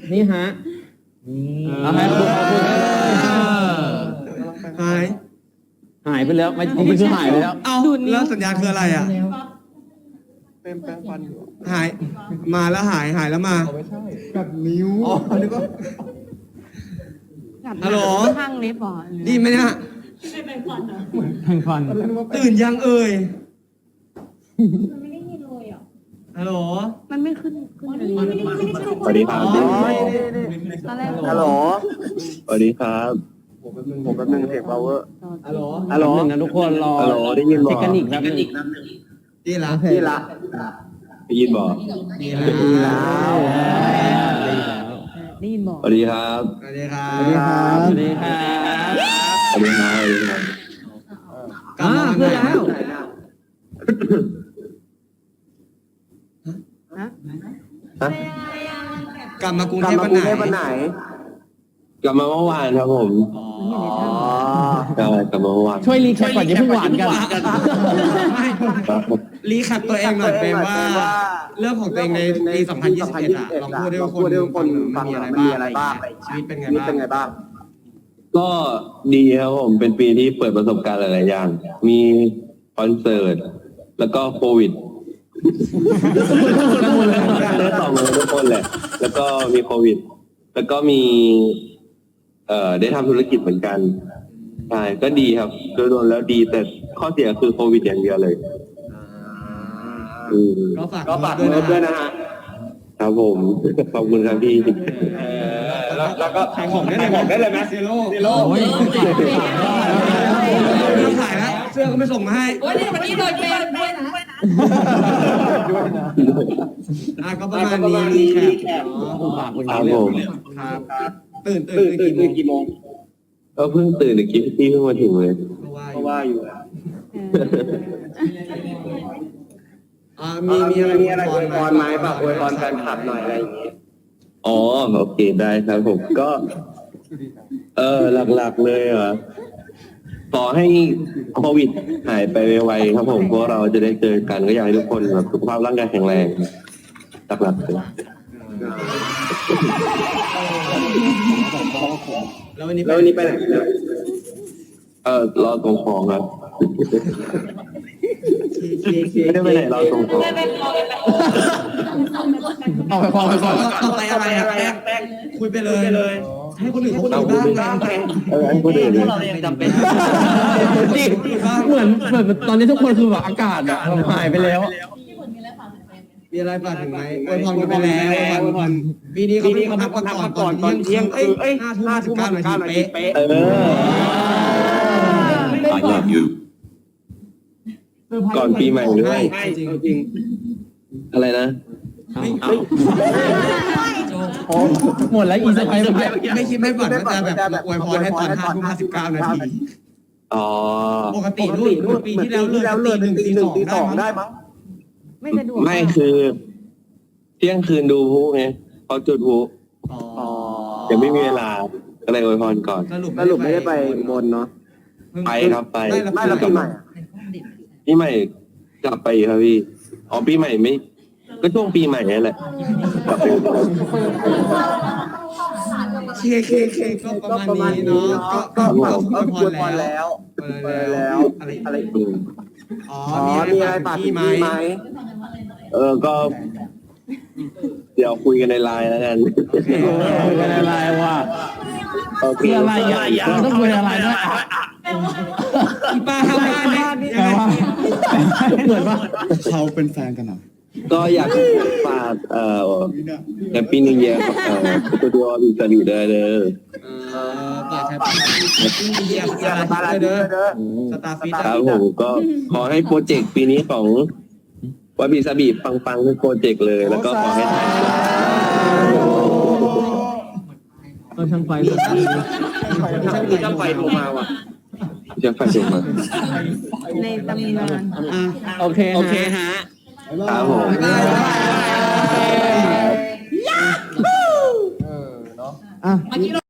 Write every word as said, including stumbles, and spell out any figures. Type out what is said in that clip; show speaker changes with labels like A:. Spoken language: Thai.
A: นี่ฮะเอาให้คุณขอบคุณหายหายไปแล้วไม่ไม่คือหายไปแล้ว
B: เอาแล้วสัญญาคืออะไรอ่ะเป็นแปลงฟันหายมาแล้วหายหายแล้วมาไม่ใช่กัดนิ้วอ๋อนึกว่าฮัลโหล
C: ข้างเล็บบ่อ
B: ดีไหมเนี่ย
A: แข่งฟัน
B: ตื่นยังเอ่ย
C: มันไม่ได้ยินเลยอ่ะ
B: ฮัลโหล
C: มันไม่ขึ้นขึ้นเลย
D: สวัสดีครับ
C: ตอนแรก
D: ฮัลโหลสวัสดีครับผมผมแป๊บนึงเสียงเบาเวอร์
B: ฮัลโหล
A: ฮัลโหลหนึ่งนะทุกคนรอ
D: ฮัลโหลได้ยินบ่
A: เทคนิคครับ
B: ดีละ
D: ดีละได้ยินบ่
B: ดีแล้ว
C: ได้ยินบอก
D: สวัสดีครับ
B: สวัสดีครับ
A: สวัสดีครับสวัสดีครับ
D: สวัสดีครับ
B: กลับมาเพื่อแล้วกลับมากรุงเทพวันไหน
D: กลับมาเมื่อวานครับผมอ๋อใช่กลับมาเมื่อวาน
A: ช่วยรีแคปก่อนอย่าเพิ่งหวานกัน
B: รีแคปตัวเองหน่อยเป็นว่าเรื่องของตัวเองในปีสองพันยี่สิบเอ็ดอะลองพูดให้คนฟังมีอะไรบ้างชีวิตเป็นไงบ้าง
D: ก็ดีครับผมเป็นปีที่เปิดประสบการณ์หลายๆอย่างมีคอนเสิร์ตแล้วก็โควิดได้ต่อมาทุกคนแหละแล้วก็มีโควิดแล้วก็มีเอ่อได้ทำธุรกิจเหมือนกันใช่ก็ดีครับโดยรวมแล้วดีแต่ข้อเสียคือโควิดอย่างเดียวเลย
B: ก็ฝาก
D: ก็ฝากด้วยนะฮะครับผมขอบคุณครับพี่
B: แล้วก็ขายของได้เลยของได้เลยไหมซีโร่ซีโร่ไม่ต้องขายแล้วเสื้อก็ไม่ส่งมาให้
C: วันนี้วันนี้โดนเปย์ด้วยนะ
B: อ่ะก็ประมาณนี้นี่ครับ
D: ครับผม
B: ครับตื่นตื่นตื่นกี่โมง
D: ก็เพิ่งตื่นเมื่อกี้พี่เพิ่งมาถึงเลย
B: ก็ว่าอยู่อ่ามีมีอะไรมีอะไรอวยพรไหมแบบอวยพรแฟนคลับหน่อยอะไรอย่างงี้
D: อ๋อโอเคได้ครับผมก็เออหลักๆเลยเหรอขอให้โควิดหายไปไวๆครับผมเพราะเราจะได้เจอกันก็อยากให้ทุกคนแบบสุขภาพร่างกายแข็งแรงหลักๆเลย
B: แล้ววันนี้แล้ววันนี้ไปไหน
D: เออรอตรงของครับไม่ได้ไปไหนรอตรงของ
A: เอาไปพอไปก่อน
B: ต่อไปอะไรอ่ะแป้งแป้งคุยไปเลยให้คนอื่นเขาคุยบ้างไง
D: เออให้คนอื่น
C: เรายังจำเป็น
A: เหมือนเหมือนตอนนี้ทุกคนคือแบบอากาศอะหายไปแล้ว
B: มีอะไรฝากถึงไหมอวยพรกันไปแล้วอวยพรปีนี้เขาเขาพักก่อนก่อนตอนเที่ยงคือเอ้ยห้าทุ่มห้าสิบเก้านาทีเป๊ะ
D: เออ I love you ก่อนปีใหม่ด้วย
B: จริงจริง
D: อะไรนะ
A: หมดแล้วอีสไป
B: ไม่คิดไม่ฝันว่าจะแบบอวยพรให้ตอนห้าทุ่มห้าสิบเก้านาที
D: อ๋อ
B: ปกติรุ่นปีที่แล้วเลื่อนตีหนึ่งตีหนึ่งตีสองได้มั้ง
C: ไม่สะดวก
D: ไม่คือเที่ยงคืนดูพลุไงเขาจุดพลุยังไม่มีเวลาก็เลยอวยพรก่อน
B: สรุปไม่ได้ไปบนเนาะ
D: ไปครับไป
B: ไม่แล้วปีใหม่
D: ปีใหม่กลับไปครับพี่อ๋อปีใหม่ไม่ก็ช่วงปีใหม่นี่แหละกลับไป
B: เคเคเคก็ประมาณนี้เนาะก็ก็ก็อวยพรแล้วแล้วอะไรอะไรอ๋อมีอะไรฝากพี่ไหม
D: เออก็เดี๋ยวคุยกันในไลน์แล้วกัน
A: คุยกันในไลน์ว่า
D: คือ
A: อะไรอ่ะต้องคุยอะไรนะ
B: อีป้าเข้าบ้านเนี่ย
A: เหมือนว่า
E: เขาเป็นแฟนกันเหรอ
D: ก็อยากฝากเอ่อแฮปปี้นิวเยียร์เอ่อตัวตัวบิสบีได้เด้อ
B: ฝากแฮปปี้นิวเยียร์สตาร์ฟิตเด้อสตาร์ฟิต
D: ครับผมก็ขอให้โปรเจกต์ปีนี้ของวาบิซาบิปังๆทุกโปรเจกต์เลยแล้วก็ขอให้ถ่าย
A: ก็ช่างไฟ
B: ช่างไฟโทรมาว่ะ
D: ช่างไฟโทรมา
C: ในตำนาน
A: โอเคโอเคฮะ
D: ครับผม
A: อ่ะ